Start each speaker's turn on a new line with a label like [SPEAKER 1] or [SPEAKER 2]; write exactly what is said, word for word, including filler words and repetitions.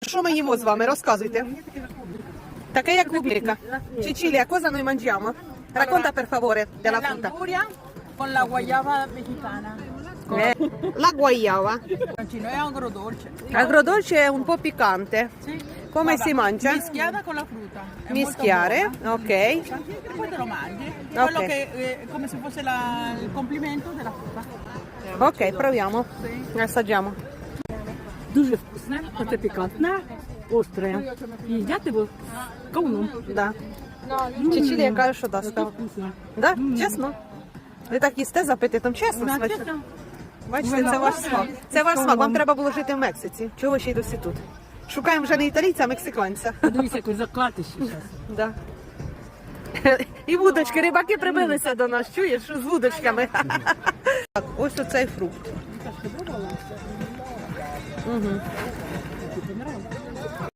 [SPEAKER 1] Що ми їмо з вами? Розказуйте. Таке як в Америка. Cecilia, cosa noi mangiamo? Racconta per favore della frutta.
[SPEAKER 2] L'anguria con la guayaba mexicana.
[SPEAKER 1] Eh, la guayaba.
[SPEAKER 2] È agrodolce.
[SPEAKER 1] Agrodolce è un po' piccante.
[SPEAKER 2] Sì.
[SPEAKER 1] Come
[SPEAKER 2] Guarda,
[SPEAKER 1] si mangia?
[SPEAKER 2] Mischiata con la frutta. È
[SPEAKER 1] Mischiare,
[SPEAKER 2] molto buona.
[SPEAKER 1] ok.
[SPEAKER 2] E poi te lo mangi. Quello
[SPEAKER 1] Ok.
[SPEAKER 2] che è come se fosse la- il complimento della frutta.
[SPEAKER 1] Ok, proviamo. Assaggiamo.
[SPEAKER 3] Дуже вкусне, оце пікантне, остре. І їдять його кавуном.
[SPEAKER 1] Да. Cecilia каже, що да, став.
[SPEAKER 3] Вкусно.
[SPEAKER 1] Да? Чесно? Ви так їсте з апетитом, чесно?
[SPEAKER 3] Да,
[SPEAKER 1] смачно?
[SPEAKER 3] чесно.
[SPEAKER 1] Бачите, це ваш смак. Це ваш смак. Вам треба було жити в Мексиці. Чого ви ще й досі тут? Шукаємо вже не італійця, а мексиканця.
[SPEAKER 3] Дивіться, який закатиш зараз.
[SPEAKER 1] Да. І вудочки, рибаки прибилися до нас, чуєш, з вудочками. Так, ось оцей фрукт. Угу.